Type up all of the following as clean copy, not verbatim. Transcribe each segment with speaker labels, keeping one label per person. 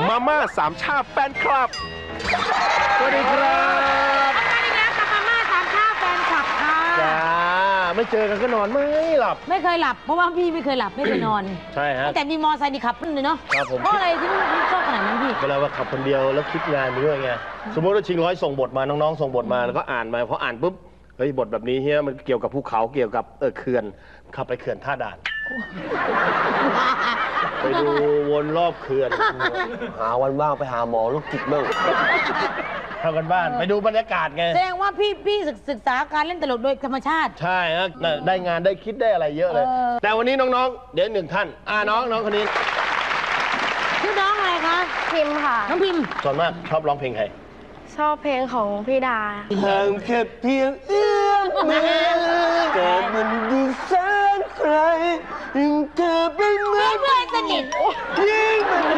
Speaker 1: มาม่าสามชาแฟนคลับสวัสดีครับ
Speaker 2: ทำงานอีกแล้วกับมาม่าสามชาแฟนคลับค่ะ
Speaker 1: จ้าไม่เจอกันก็นอนไม่หลับ
Speaker 2: ไม่เคยหลับเพราะว่าพี่ไม่เคยหลับไม่เคยนอน
Speaker 1: ใช่ฮะ
Speaker 2: แต่มีมอไซค์นี่ขับนั่นเลยเนาะ
Speaker 1: ครับผม
Speaker 2: เพราะอะไรที่ชอบขนาดนั้นพี่
Speaker 1: เวลาว่าขับคนเดียวแล้วคิดงานไปด้วยไงสมมติว่าชิงร้อยส่งบทมาน้องๆส่งบทมาแล้วก็อ่านมาพออ่านปุ๊บเฮ้ยบทแบบนี้เฮียมันเกี่ยวกับภูเขาเกี่ยวกับเขื่อนขับไปเขื่อนท่าด่านไปดูวนรอบเขื่อน
Speaker 3: หาวันว่างไปหาหมอโรคจิตบ้าง
Speaker 1: ทำกันบ้านไปดูบรรยากาศไง
Speaker 2: แสดงว่าพี่ศึกษาการเล่นตลกโดยธรรมชาติ
Speaker 1: ใช่ฮะได้งานได้คิดได้อะไรเยอะเลยแต่วันนี้น้องๆเดี๋ยวหนึ่งท่านน้องคนนี้
Speaker 2: ชื่อน้องอะไรคะ
Speaker 4: พิมพ์ค่ะ
Speaker 2: น้องพิมพ์
Speaker 1: ส่วนมากชอบร้องเพลงใคร
Speaker 4: ชอบเพลงของพี่ดา
Speaker 3: ห่างแค่เพียงเอื้อมมือแต่มันดูแสนไกลยิ่งเธอเป็นเหมือน
Speaker 2: เพื่อนสนิท
Speaker 3: ยิ่งมัน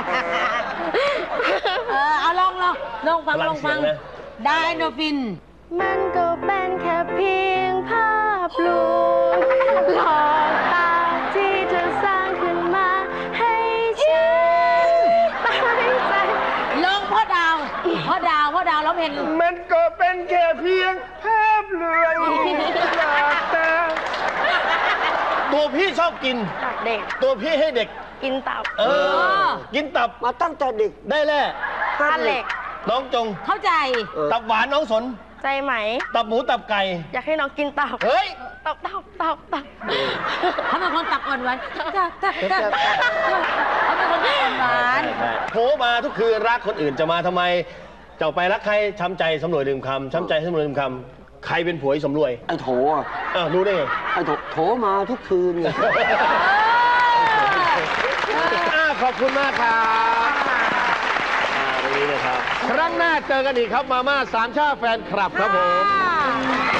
Speaker 2: เอาลองฟังไดโนฟิน
Speaker 4: มันก็เป็นแค่เพียงภาพลวงหลอกตาที่เธอสร้างขึ้นมาให้ฉันตั้งใจ
Speaker 2: ลองพ่อดาวร้องเพลง
Speaker 1: มันก็เป็นแค่เพียงภาพลวงหลอกตาตัวพี่ชอบกิน
Speaker 4: เด็ก
Speaker 1: ตัวพี่ให้เด็ก
Speaker 4: กินตับ
Speaker 1: กินตับ
Speaker 3: มาตั้งแต่เด็ก
Speaker 1: ได้แล่
Speaker 4: ทานเหล็ก
Speaker 1: น้องจง
Speaker 2: เข้าใจ
Speaker 1: ตับหวานน้องสน
Speaker 4: ใจไหม
Speaker 1: ตับหมูตับไก่
Speaker 4: อยากให้น้องกินตับ
Speaker 1: เฮ้ย
Speaker 4: ตับ
Speaker 2: เขาเป็นคนตับอ่อนหวานเขาเป็นคนตับอ่อนหวาน
Speaker 1: โผล่มาทุกคืนรักคนอื่นจะมาทำไมเจ้าไปรักใครช้ำใจสำรวยลืมคำช้ำใจสำรวยลืมคำใครเป็นผัวสำรวย
Speaker 3: ไอ้โถ
Speaker 1: รู้ได้ไง
Speaker 3: ไอ้โถมาทุกคืนไง
Speaker 1: ขอบคุณมากครับตรงนี้เลยครับครั้งหน้าเจอกันอีกครับมาม่าสามชาแฟนคลับครับผม